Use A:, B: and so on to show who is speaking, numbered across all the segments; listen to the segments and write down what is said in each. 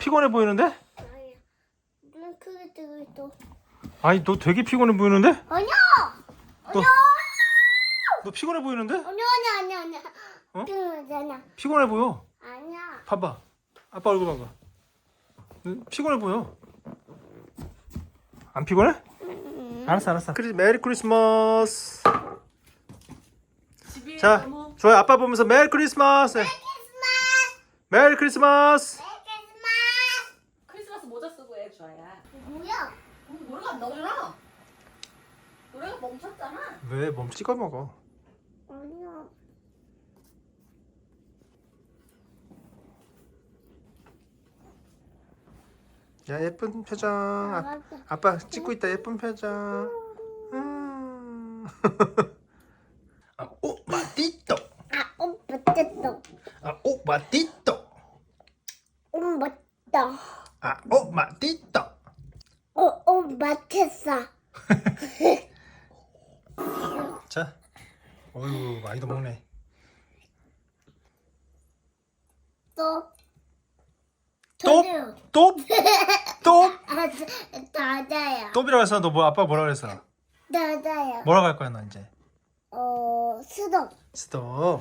A: 피곤해 보이는데?
B: 아니야. 눈 크게 뜨고 있어.
A: 아니 너 되게 피곤해 보이는데?
B: 아니야.
A: 너, 너 피곤해 보이는데?
B: 아니야.
A: 어?
B: 피곤하잖아.
A: 피곤해 보여.
B: 아니야.
A: 봐봐. 아빠 얼굴 봐봐. 피곤해 보여. 안 피곤해? 알았어. 메리 크리스마스. 자, 좋아요. 아빠 보면서 메리 크리스마스. 메리 크리스마스.
C: 크리스마스 모자 쓰고 해, 주아야.
B: 뭐야?
C: 노래가 안 나오잖아. 노래가 멈췄잖아.
A: 왜 찍어 먹어?
B: 아니야.
A: 야 예쁜 표정.
B: 알았어.
A: 아빠 찍고 있다 예쁜 표정. 오 마티토.
B: 맞겠어.
A: 오 마티토.
B: 맞다.
A: 오 마티토.
B: 맞겠어.
A: 자, 어유 많이도 먹네.
B: 또.
A: 또?
B: 다다야.
A: 또비라고 했어. 너 뭐 아빠 뭐라 그랬어?
B: 다다야.
A: 뭐라고 할 거야 너 이제?
B: 수동.
A: 스톱.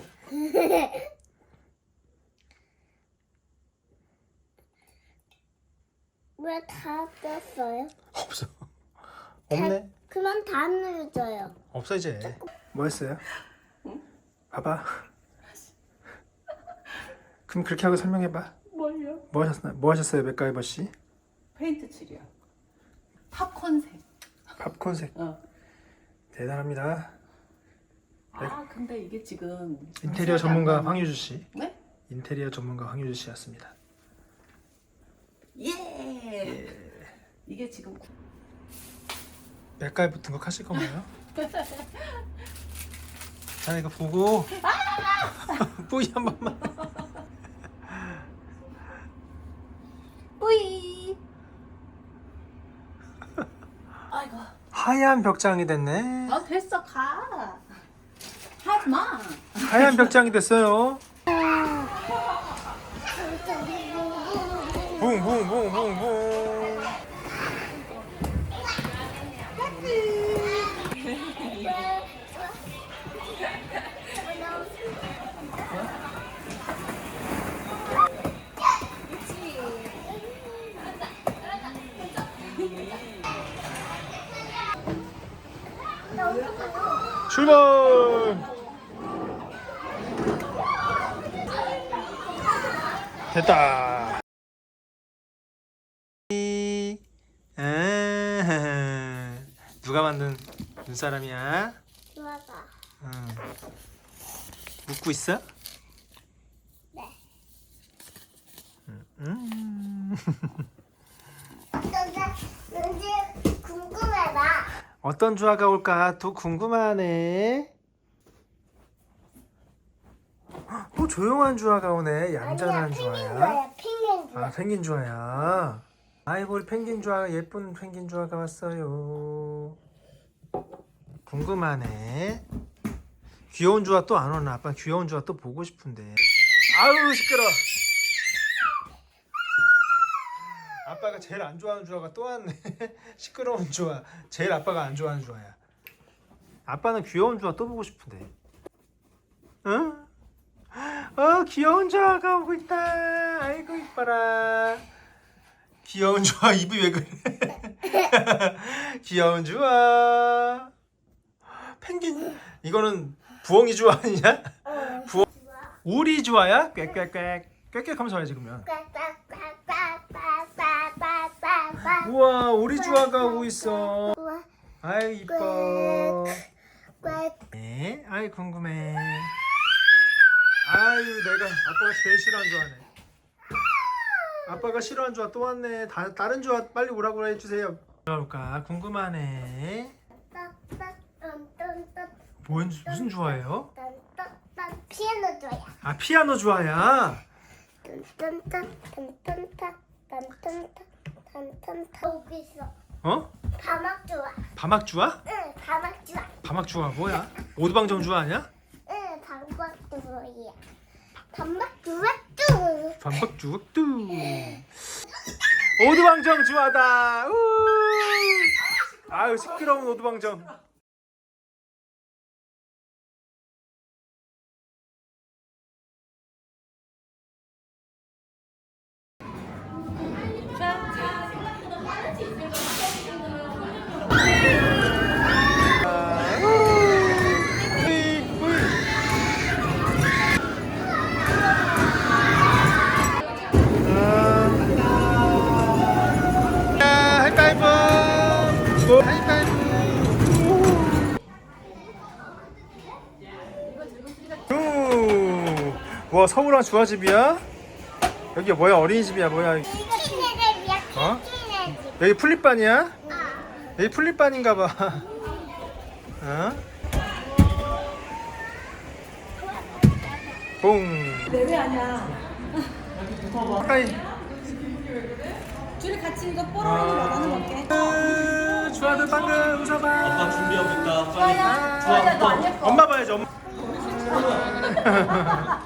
B: 왜 다 떴어요?
A: 없어. 없네.
B: 그만 다 눌러줘요.
A: 없어 이제. 뭐 했어요? 봐봐. 그럼 그렇게 하고 설명해봐.
C: 뭘요?
A: 뭐 하셨어요 맥가이버 씨?
C: 페인트 칠이요. 팝콘색.
A: 팝콘색. 대단합니다.
C: 아, 근데 이게 지금
A: 인테리어 전문가 황유주 씨.
C: 네?
A: 인테리어 전문가 황유주 씨였습니다.
C: 예. 이게 지금
A: 맥가이버 등록하실 건가요? 자 이거 보고 뿌이 한 번만.
C: 뿌이. 아이고.
A: 하얀 벽장이 됐네.
C: 됐어, 가. 하지 마.
A: 하얀 벽장이 됐어요. 붕붕붕붕붕. 출발! 됐다. 누가 만든 눈사람이야?
B: 좋아가.
A: 웃고 있어?
B: 네. 이제 궁금해봐.
A: 어떤 주화가 올까 또 궁금하네. 조용한 주화가 오네. 얌전한 주화야.
B: 펭귄 좋아.
A: 펭귄 주화야. 아이고 우리 펭귄 주화 예쁜 펭귄 주화가 왔어요. 궁금하네. 귀여운 주화 또 안 오나? 아빠 귀여운 주화 또 보고 싶은데. 아우 시끄러. 아빠가 제일 안 좋아하는 주화가 또 왔네. 시끄러운 주화. 제일 아빠가 안 좋아하는 주화야. 아빠는 귀여운 주화 또 보고 싶은데. 응? 귀여운 주화가 오고 있다. 아이고 이뻐라. 귀여운 주화 입이 왜 그래? 귀여운 주화. 펭귄 이거는 부엉이 주화 아니냐? 오리 주화야? 꽥꽥꽥 꽥꽥 하면서 와야지 그러면. 우와 오리 주화가 오고 있어. 아유 이뻐. 네, 아이 궁금해. 아유 내가 아빠가 제일 싫어하는 주화네. 아빠가 싫어하는 주화 또 왔네. 다른 주화 빨리 오라고 해주세요. 올까 궁금하네. 무슨 주화예요?
B: 피아노 좋아야.
A: 피아노 주화야.
B: 여기 있어. 바막 좋아.
A: 바막 주화?
B: 응, 바막 좋아.
A: 바막 주화 뭐야? 오두방정 주화 아니야?
B: 응, 바막 좋아야. 바막 좋아 뚜.
A: 반박 주걱 뚜. 오두방정 주하다. 아유 시끄러운 오두방정. 하이파이브! 하이파이브! 와 서울랑 주아집이야? 여기 뭐야 어린이집이야 뭐야?
B: 키네집이야.
A: 어?
B: 키네집.
A: 여기 풀립반이야?
B: 아.
A: 여기 풀립반인가봐. 어? 봉.
C: 내외 아니야.
A: 가까이.
C: 둘이 같이 이거 뽀로로를 원하는 건게.
A: 주아들 방금 웃어봐.
D: 아빠 준비하고 있다. 빨리.
C: 주아야, 주아야 너 안 예뻐.
A: 엄마 봐야지 엄마.